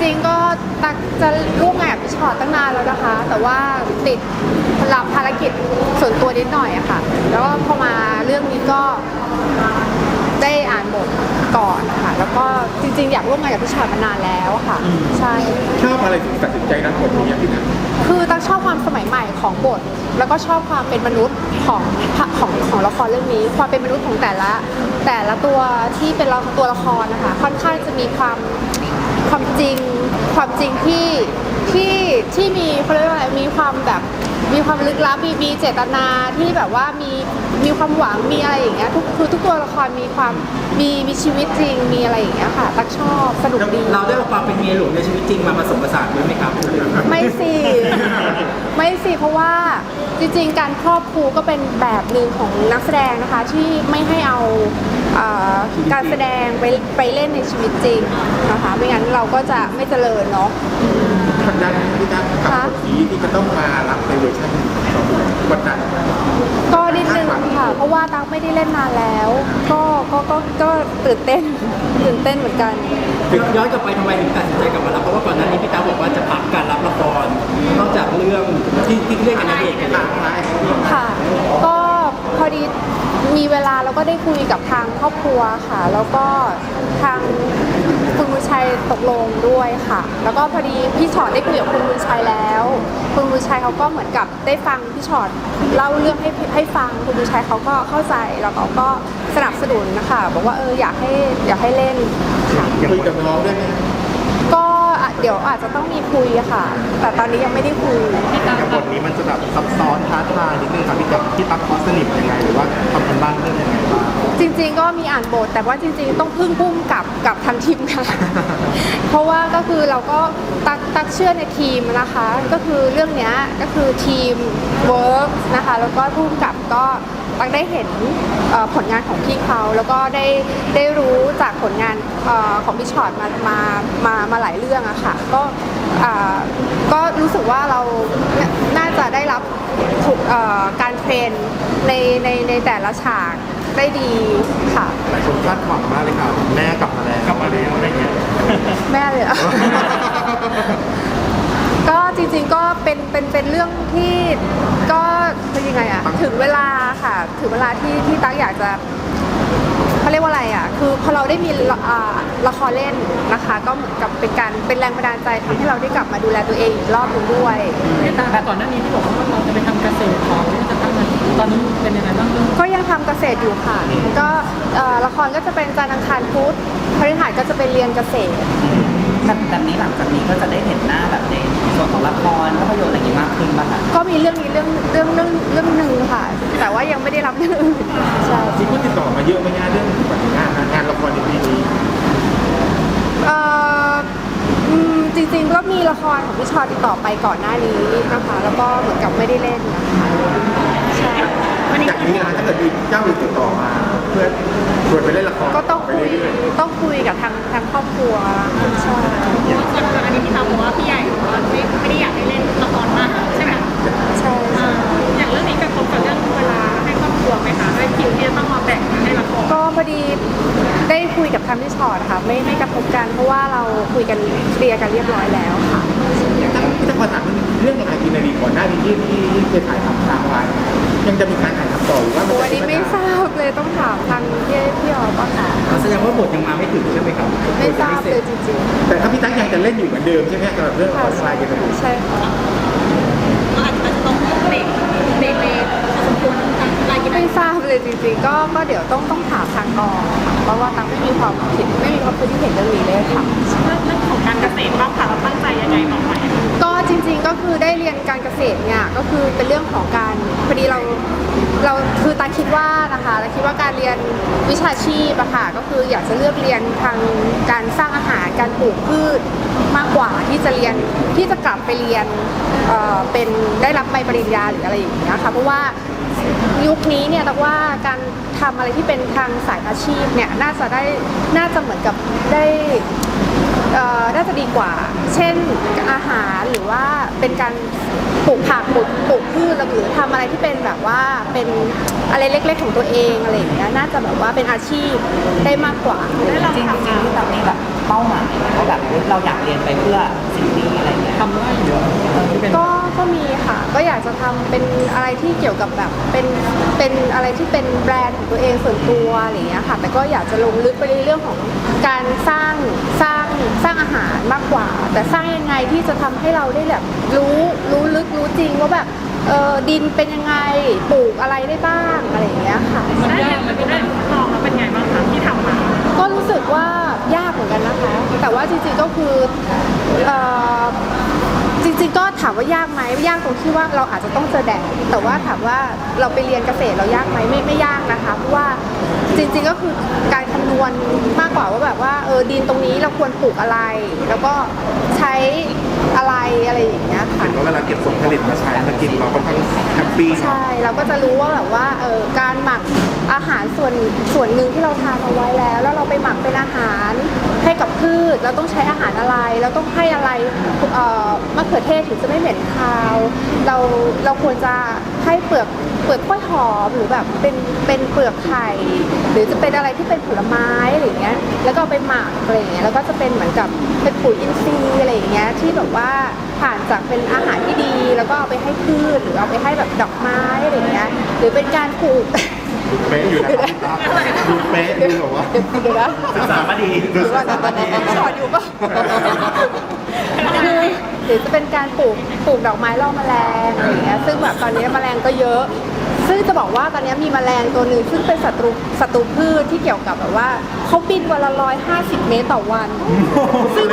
ริงๆก็ตักจะร่วมงานกับพี่ชอตตั้งนานแล้วนะคะ แต่ว่าติดรับภารกิจส่วนตัวนิดหน่อยอะค่ะแล้วก็พอมาเรื่องนี้ก็ได้อ่านบทก่อนค่ะแล้วก็จริงๆอยากร่วมงานกับพี่ชอตมานานแล้วค่ะใช่ชอบอะไรถึงตัดสินใจรับบทนี้พี่ตั๊กคือตั๊กชอบความสมัยใหม่ของบทแล้วก็ชอบความเป็นมนุษย์ของละครเรื่องนี้ความเป็นมนุษย์ของแต่ละตัวที่เป็นตัวละครนะคะค่อนข้างจะมีความจริงที่มีเขาเรียกว่าอะไรมีความแบบมีความลึกลับมีเจตนาที่แบบว่ามีความหวังมีอะไรอย่างเงี้ยทุกตัวละครมีความมีชีวิตจริงมีอะไรอย่างเงี้ยค่ะตักชอบสนุกดีเราได้เอาความเป็นเมียหลวงในชีวิตจริงมาผสมผสานด้วยไหมครับไม่สิเพราะว่าจริงๆการครอบครูก็เป็นแบบหนึ่งของนักแสดงนะคะที่ไม่ให้เอาการแสดงไปเล่นในชีวิตจริงนะคะไม่งั้นเราก็จะไม่เจริญเนาะกดดันพี่ตั๊กกับบทนี้ที่จะต้องมารับในเวอร์ชันกดดันก็นิดนึงค่ะเพราะว่าตั๊กไม่ได้เล่นนานแล้วก็ตื่นเต้นเหมือนกันย้อนกลับไปทำไมถึงตัดสินใจกลับมารับเพราะว่าก่อนหน้านี้พี่ตาบอกว่าจะพักการรับละครนอกจากเรื่องที่เล่นกับนางเอกกันค่ะก็พอดีมีเวลาแล้วก็ได้คุยกับทางครอบครัวค่ะแล้วก็ทางคุณบุญชัยตกลงด้วยค่ะแล้วก็พอดีพี่ชอตได้คุยกับคุณบุญชัยแล้วคุณบุญชัยเขาก็เหมือนกับได้ฟังพี่ชอตเล่าเรื่องให้ฟังคุณบุญชัยเขาก็เข้าใจแล้วเขาก็สนับสนุนนะคะบอกว่าอยากให้เล่นค่ะคุยกับน้องได้ไหมก็เดี๋ยวอาจจะต้องมีคุยค่ะแต่ตอนนี้ยังไม่ได้คุยกับบทนี้มันจะแบบซับซ้อนท้าทายนิดนึงครับพี่ตั๊กคอสนิทยังไงหรือว่าทำกันบ้านเรื่องยังไงบ้างจริงๆก็มีอ่านบทแต่ว่าจริงๆต้องพึ่งพุ่มกับทางทีมค่ะเพราะว่าก็คือเราก็ตักเชื่อในทีมนะคะก็คือเรื่องนี้ก็คือทีมเวิร์กนะคะแล้วก็พุ่มกับก็ตักได้เห็นผลงานของพี่เขาแล้วก็ได้รู้จากผลงานของพี่ชอตมาหลายเรื่องอะค่ะก็รู้สึกว่าเราน่าจะได้รับการเทรนในแต่ละฉากได้ดีค่ะหลายคนคาดหวังมากเลยค่ะแม่กลับมาแล้วอะไรเงี้ยแม่เลยก็จริงๆก็เป็นเรื่องที่ก็เป็นยังไงอะถึงเวลาค่ะถึงเวลาที่ตั๊กอยากจะเขาเรียกว่าอะไรอ่ะคือพอเราได้มีละครเล่นนะคะก็เหมือนกับเป็นแรงบันดาลใจทำให้เราได้กลับมาดูแลตัวเองอีกรอบนึงด้วยแต่ก่อนหน้านี้ที่บอกว่าเราจะไปทำเกษตรของจะทำตอนนี้เป็นยังไงบ้างก็ยังทำเกษตรอยู่ค่ะก็ละครก็จะเป็นจันทร์อังคารพุธพฤหัสก็จะเป็นเรียนเกษตรแบบนี้หลังจากนี้ก็จะได้เห็นหน้าแบบในส่วนของละครภาพยนตร์อะไรอย่างนี้มากขึ้นป่ะคะก็มีเรื่องนึงค่ะแต่ว่ายังไม่ได้รับเรื่องอื่นใช่จริงๆติดต่อมาเยอะไหมงานเรื่องงานละครในปีนี้จริงๆก็มีละครของพี่ชอติดต่อไปก่อนหน้านี้นะคะแล้วก็เหมือนกับไม่ได้เล่นนะคะใช่จากนี้นะถ้าเกิดมีเจ้าอื่นติดต่อมาเพื่อชวนไปเล่นละครก็ต้องคุยกับทางครอบครัวใช่ส่วนอันนี้พี่ตาบอกว่าพี่ใหญ่ไม่ได้อยากให้เล่นละครมากใช่ไหมใช่อย่างเรื่องนี้กระทบกับเรื่องเวลาให้ครอบครัวไหมคะด้วยคิวที่ต้องมาแบ่งให้ละครก็พอดีได้คุยกับทางพี่ชอตค่ะไม่กระทบกันเพราะว่าเราคุยกันเคลียร์กันเรียบร้อยแล้วค่ะพี่จะขอถามเรื่องอะไรกินนารีก่อนหน้านี้ที่เคยถ่ายทำค้างไว้ยังจะมีการถ่ายทำต่อหรือว่าวันนี้ไม่ทราบเลยต้องถามทางพี่อ๋อป่ะค่ะแสดงว่าบทยังมาไม่ถึงใช่ไหมครับไม่ทราบเลยจริงๆแต่ถ้าพี่ตั๊กยังจะเล่นอยู่เหมือนเดิมใช่ไหมสำหรับเรื่องออนไลน์กันใช่ค่ะอาจจะต้องเบรกสมควรไม่ทราบเลยจริงๆก็เดี๋ยวต้องถามทางกองเพราะว่าตั๊กไม่มีความคิดเห็นเรื่องนี้เลยค่ะเรื่องของการเกษตรบ้างค่ะเราตั้งใจยังไงต่อไปก็จริงๆก็คือได้เรียนการเกษตรเนี่ยก็คือเป็นเรื่องของการพอดีเราคือตั๊กคิดว่านะคะเราคิดว่าการเรียนวิชาชีพอะค่ะก็คืออยากจะเลือกเรียนทางการสร้างอาหารการปลูกพืชมากกว่าที่จะกลับไปเรียนเป็นได้รับใบปริญญาหรืออะไรอย่างเงี้ยค่ะเพราะว่ายุคนี้เนี่ยแต่ว่าการทำอะไรที่เป็นทางสายอาชีพเนี่ยน่าจะเหมือนกับได้น่าจะดีกว่าเช่นอาหารหรือว่าเป็นการปลูกผักปลูกพืชหรือทำอะไรที่เป็นแบบว่าเป็นอะไรเล็กๆของตัวเองอะไรอย่างเงี้ยน่าจะแบบว่าเป็นอาชีพได้มากกว่าจริงๆแบบนี้แบบพเป้าหมายว่าแบบเราอยากเรียนไปเพื่อสิ่งนี้อะไรเงี้ยทำได้เยอะที่เป็นก็มีค่ะ ก็อยากจะทำเป็นอะไรที่เกี่ยวกับแบบเป็นอะไรที่เป็นแบรนด์ของตัวเองส่วนตัวอะไรอย่างเงี้ยค่ะ แต่ก็อยากจะลงลึกไปในเรื่องของการสร้างอาหารมากกว่า แต่สร้างยังไงที่จะทำให้เราได้แบบรู้ลึกรู้จริงว่าแบบดินเป็นยังไงปลูกอะไรได้บ้างอะไรอย่างเงี้ยค่ะได้เรียนมันได้ลองแล้วเป็นไงบ้างคะที่ทำมาก็รู้สึกว่ายากเหมือนกันนะคะ แต่ว่าจริงๆก็คือจริงๆก็ถามว่ายากไหมยากตรงที่ว่าเราอาจจะต้องเจอแดดแต่ว่าถามว่าเราไปเรียนเกษตรเรายากไหมไม่ยากนะคะเพราะว่าจริงๆก็คือการคำนวณมากกว่าว่าแบบว่าดินตรงนี้เราควรปลูกอะไร แล้วก็ใช้อะไรอย่างเงี้ยค่ะเห็นว่าเวลาเก็บผลผลิตมาใช้มากินเราค่อนข้างแฮปปี้ใช่เราก็จะรู้ว่าแบบว่าการหมักอาหารส่วนหนึ่งที่เราทานเอาไว้แล้วเราไปหมักเป็นอาหารให้กับพืชเราต้องใช้อาหารอะไรเราต้องให้อะไรมะเขือเทศถึงจะไม่เหม็นคาวเราควรจะให้เปลือกกล้วยหอมหรือแบบเป็นเปลือกไข่หรือจะเป็นอะไรที่เป็นผลไม้อะไรอย่างเงี้ยแล้วก็เอาไปหมักอะไรอย่างเงี้ยแล้วก็จะเป็นเหมือนกับเป็นปุ๋ยอินทรีย์อะไรอย่างเงี้ยที่แบบว่าผ่านจากเป็นอาหารที่ดีแล้วก็เอาไปให้พืชหรือเอาไปให้แบบดอกไม้อะไรอย่างเงี้ยหรือเป็นการปลูกเป๊ะอยู่นะครับดูเป๊ะดูแบบว่าเดี๋ยวนะศึกษามาดีหรือว่าสอนอยู่ปะคือหรือจะเป็นการปลูกดอกไม้ล่อแมลงอะไรอย่างเงี้ยซึ่งแบบตอนนี้แมลงก็เยอะ ซึ่งจะบอกว่าตอนนี้มีแมลงตัวหนึ่งซึ่งเป็นศัตรูพืชที่เกี่ยวกับแบบว่าเขาบินวันละ150 เมตรต่อวัน ซึ่ง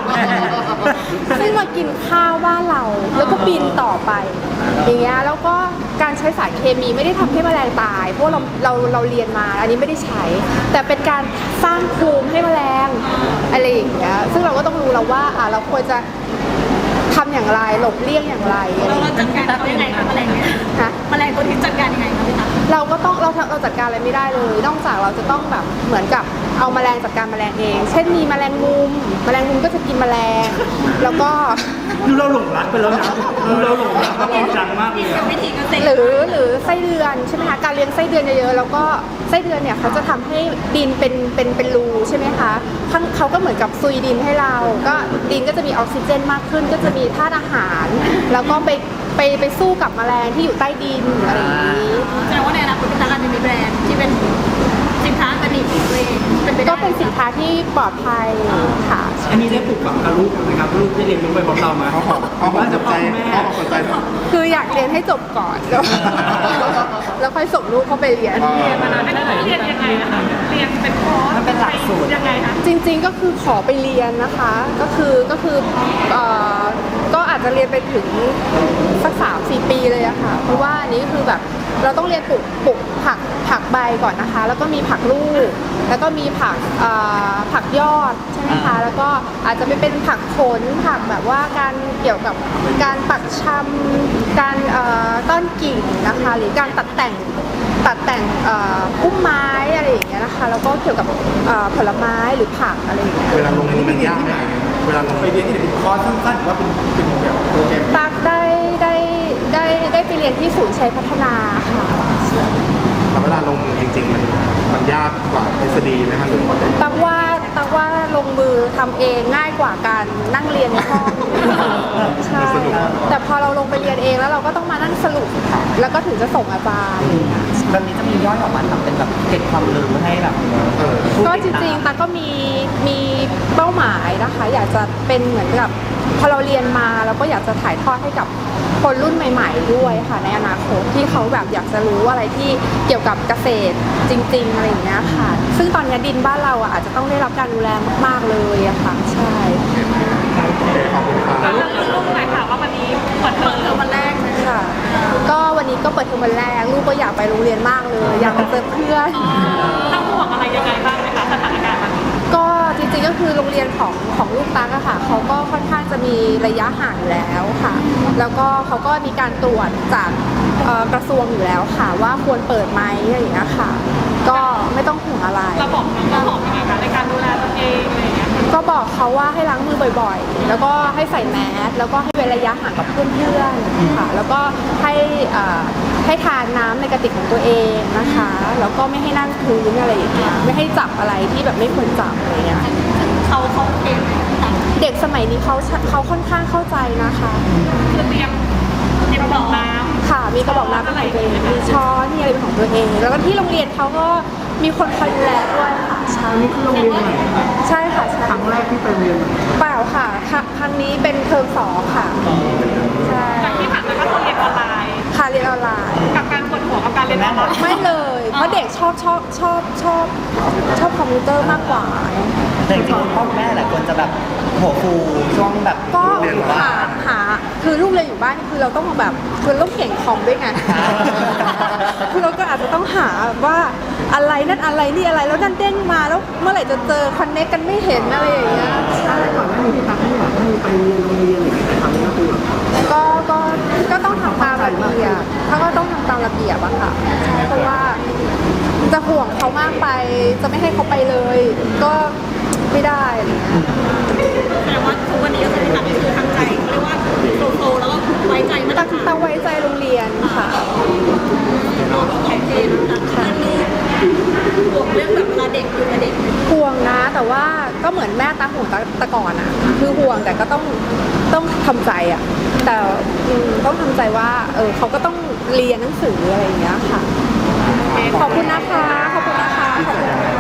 มากินข้าวบ้านเราแล้วก็บินต่อไปอย่างเงี้ยแล้วก็การใช้สารเคมีไม่ได้ทำให้แมลงตายเพราะเราเรียนมาอันนี้ไม่ได้ใช้ แต่เป็นการสร้างภูมิให้แมลงอะไรอย่างเงี้ยซึ่งเราก็ต้องรู้แล้วว่าเราควรจะทำอย่างไรหลบเลี่ยงอย่างไรอะไรอย่างเราเงี้ยจัดการเขายังไงคะแมลงเนี่ยฮะแมลงตัวนี้จัดการยังไงคะพี่ตาเราก็ต้องเราจัดการอะไรไม่ได้เลย นอกจากเราจะต้องแบบเหมือนกับเอาแมลงจัดการแมลงเอง เช่นมีแมลงมุมก็จะกินแมลง แล้วก็ดูเราหลงรักไปแล้วนะดูเราหลงรักจริงจังมากเลยอะวิธีเกษตรหรือไส้เดือนใช่ไหมคะการเลี้ยงไส้เดือนเยอะๆแล้วก็ไส้เดือนเนี่ยเขาจะทำให้ดินเป็นรูใช่ไหมคะเขาก็เหมือนกับซุยดินให้เรา ก็ดินก็จะมีออกซิเจนมากขึ้น ก็จะมีธาตุอาหาร แล้วก็ไปสู้กับแมลงที่อยู่ใต้ดินอะไรอย่างนี้แสดงว่าในอนาคตพี่ตาอาจจะมีแบรนด์ที่เป็นสินค้าออร์แกนิกของตัวเองเป็นไปได้ก็เป็นสินค้าที่ปลอดภัยค่ะอันนี้ได้ปลูกฝังกับลูกนะครับลูกได้เรียนรู้ไปพร้อมเราไหมเขาบอกว่าสจะนพ่ใจอแม่เขาสนใจคืออยากเรียนให้จบก่อน แล้วค่อยส่งลูกเข้าไปเรียนอันนี้เรียนยังไงนะคะเรียนเป็นคอร์สมันเป็นหลักสูตรยังไงคะจริงๆก็คือขอไปเรียนนะคะ ก็คือก็อาจจะเรียนไปถึงสัก3-4 ปีเลยอะค่ะ เพราะว่าอันนี้คือแบบเราต้องเรียนปลูกผักใบก่อนนะคะ แล้วก็มีผักลูก แล้วก็มีผักยอดใช่ไหมคะ แล้วก็อาจจะไม่เป็นผักผลผักแบบว่าการเกี่ยวกับการปักชำการต้นกิ่งนะคะ หรือการตัดแต่งพุ่มไม้อะไรอย่างเงี้ยนะคะ แล้วก็เกี่ยวกับผลไม้หรือผักอะไรอย่างเงี้ยเวลาลงมือมันยากไหมเวลาลงไปเรียนที่ไหนเป็นคอร์สสั้นๆหรือว่าเป็นแบบโปรแกรมตักได้ไปเรียนที่ศูนย์ชัยพัฒนาค่ะแต่เวลาลงมือจริงๆมันยากกว่าทฤษฎีไหมครับหรือว่าตักว่าลงมือทำเองง่ายกว่าการนั่งเรียนในห้องใช่แต่พอเราลงไปเรียนเองแล้วเราก็ต้องมานั่งสรุปแล้วก็ถึงจะส่งอาจารย์แบบนี้จะมีย่อยออกมาทำเป็นแบบเก็บความรู้ให้แบบก็จริงๆตักก็มีเป้าหมายนะคะ อยากจะเป็นเหมือนกับพอเราเรียนมาเราก็อยากจะถ่ายทอดให้กับคนรุ่นใหม่ ๆ ด้วยค่ะในอนาคตที่เขาแบบอยากจะรู้อะไรที่เกี่ยวกับเกษตรจริง ๆอะไรอย่างเงี้ยค่ะ ซึ่งตอนนี้ดินบ้านเราอาจจะต้องได้รับการดูแลมากๆเลยอะค่ะใช่ขอบคุณครับแล้วลูกหน่อยค่ะว่าวันนี้เปิดเทอมวันแรกเลยค่ะ ก็วันนี้ก็เปิดเทอมวันแรกลูกก็อยากไปโรงเรียนมากเลย อยากไปเจอเพื่อนต้องห่วงอะไรยังไงบ้างไหมคะสถานการณ์แบบนี้ก็จริงๆก็คือโรงเรียนของลูกตั๊กอะค่ะเขาก็ค่อนข้างจะมีระยะห่างอยู่แล้วค่ะ แล้วก็เขาก็มีการตรวจจากกระทรวงอยู่แล้วค่ะ ว่าควรเปิดไหมอะไรอย่างเงี้ยค่ะ ก็ไม่ต้องห่วงอะไรระบบยังไงคะในการดูแลตัวเองอะไรอย่างเงี้ยก็บอกเขาว่าให้ล้างมือบ่อยๆ แล้วก็ให้ใส่แมสแล้วก็ให้เว้นระยะห่างกับเพื่อนๆค่ะแล้วก็ให้ทานน้ำในกระติกของตัวเองนะคะแล้วก็ไม่ให้นั่งพื้นอะไรอย่างเงี้ยไม่ให้จับอะไรที่แบบไม่ควรจับอะไรเงี้ยเขาเองแต่เด็กสมัยนี้เขาค่อนข้างเข้าใจนะคะคือเตรียมบอกน้ำค่ะมีกระบอกน้ำเป็นของตัวเองมีช้อนมีอะไรเป็นของตัวเอง แล้วก็ที่โรงเรียนเขาก็มีคนคอยดูแลด้วยค่ะใช่นี่คือโรงเรียนใหม่ใช่ค่ะใช่ครั้งแรกที่ไปเรียนเปล่าค่ะครั้งนี้เป็นเทอม2ค่ะใช่จากที่ผ่านมาก็คือเรียนออนไลน์ค่ะเรียนออนไลน์กับการปวดหัวกับการเรียนออนไลน์ไม่เลย เพราะเด็กชอบคอมพิวเตอร์มากกว่าแต่จริงๆพ่อแม่หลายคนจะแบบหัวฟูช่วงแบบก็เรียนอยู่บ้านหาคือลูกเรียนอยู่บ้านคือเราต้องแบบคือต้องเก่งคอมด้วยไง คือเราก็อาจจะต้องหาว่าอะไรนั่นอะไรนี่อะไรแล้วนั่นเด้งมาแล้วเมื่อไหร่จะเจอคอนเนคกันไม่เห็นอะไรอย่างเงี้ยใช่ก่อนหน้านี้ที่ตั๊กไม่อยากให้ไปเรียนโรงเรียนอย่างเงี้ยแต่ทำก็คือก็ต้องทำตามระเบียบถ้าก็ต้องทำตามระเบียบอะค่ะใช่เพราะว่าจะห่วงเขามากไปจะไม่ให้เขาไปเลย ก็ไม่ได้อะไรเงี้ยแสดงว่าทุกวันนี้ก็คือที่ตัดคือทางใจเรียกว่าโตๆแล้วก็ไว้ใจมาตรฐานตั้งไว้ใจโรงเรียนค่ะโอเคนะคะบวกเรื่องแบบเวลาเด็กอยู่กับเด็กห่วงนะแต่ว่าก็เหมือนแม่ตาห่วงตะก่อนอะคือห่วงแต่ก็ต้องทำใจอะแต่ต้องทำใจว่าเขาก็ต้องเรียนหนังสืออะไรอย่างเงี้ยค่ะขอบคุณนะคะขอบคุณนะคะขอบคุณนะคะ